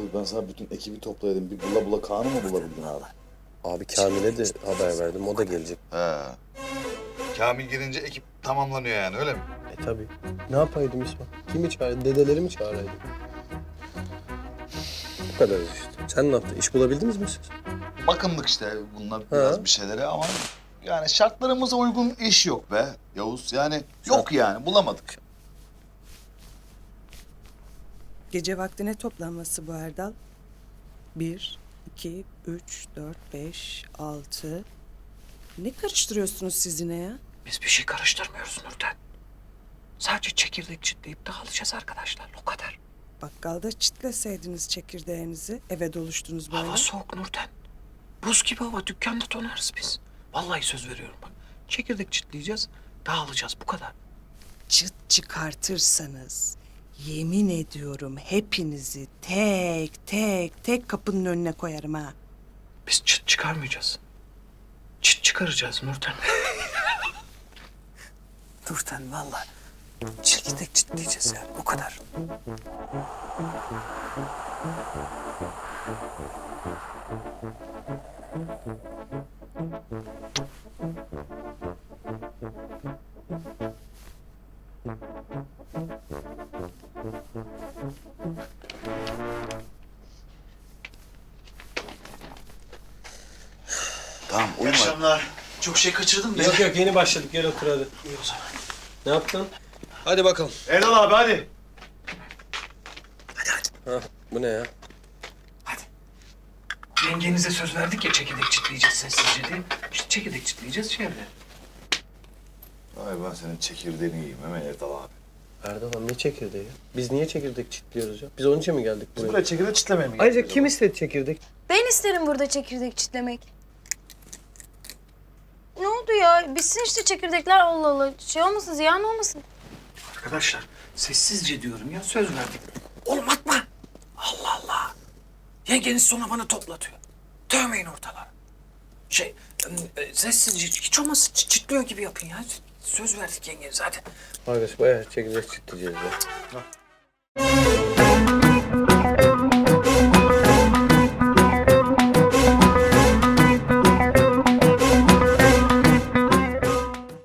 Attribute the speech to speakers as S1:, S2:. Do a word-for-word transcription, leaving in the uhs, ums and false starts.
S1: ben sana bütün ekibi toplayaydım. Bir bula bula Kaan'ı mı bulabildin abi?
S2: Abi Kamil'e de haber verdim. O da gelecek.
S1: He. Kamil gelince ekip tamamlanıyor yani öyle mi?
S2: E tabii. Ne yapaydım İsmail? Kimi çağırdı? Dedeleri mi çağıraydım? Bu kadar işte. Sen ne yaptın? İş bulabildiniz mi siz?
S1: Bakımlık işte bunlar biraz
S2: Ha.
S1: bir şeylere ama yani şartlarımıza uygun iş yok be Yavuz. Yani yok yani bulamadık.
S3: Gece vakti ne toplanması bu Erdal? Bir, iki, üç, dört, beş, altı. Ne karıştırıyorsunuz siz yine ya?
S4: Biz bir şey karıştırmıyoruz Nurten. Sadece çekirdek çitleyip dağılacağız arkadaşlar. O kadar.
S3: Bakkalda çitleseydiniz çekirdeğinizi, eve doluştunuz böyle.
S4: Hava soğuk Nurten. Buz gibi hava. Dükkanda donarız biz. Vallahi söz veriyorum bak. Çekirdek çitleyeceğiz, dağılacağız. Bu kadar.
S3: Çıt çıkartırsanız, yemin ediyorum hepinizi tek tek tek kapının önüne koyarım ha.
S4: Biz çıt çıkarmayacağız. Çıt çıkaracağız Nurten. Nurten vallahi. Çekirdek çitleyeceğiz yani. Bu kadar.
S1: Tamam
S4: İyi
S1: uyuma.
S4: akşamlar. Çok şey kaçırdım ben.
S2: Yok yok yeni başladık. Gel otur hadi.
S4: İyi o zaman.
S2: Ne yaptın? Hadi bakalım.
S4: Erdal abi hadi. Hadi hadi.
S2: Ha, bu ne ya?
S4: Hadi. Yengenize söz verdik ya çekirdek çitleyeceğiz sessizce diye. İşte çekirdek çitleyeceğiz şöyle.
S1: Ay ben senin çekirdeğini yiyeyim hemen Erdal abi.
S2: Erdal abi ne çekirdeği ya? Biz niye çekirdek çitliyoruz ya? Biz onun için mi geldik buraya?
S1: Buraya çekirdek çitlemeye mi
S2: Ayrıca
S1: geldik
S2: kim
S1: acaba?
S2: istedi çekirdek?
S5: Ben isterim burada çekirdek çitlemek. Ne oldu ya? Bitsin işte çekirdekler Allah Allah. Şey olmasın, ziyan olmasın.
S4: Arkadaşlar sessizce diyorum ya söz verdik. Oğlum atma. Allah Allah. Yengeniz sonra bana toplatıyor. Dövmeyin ortalığı. Şey e, sessizce hiç olmazsa çit- çitliyor gibi yapın ya. Söz verdik yengenize hadi.
S2: Arkadaş bayağı çekirdek çitleyeceğiz ya.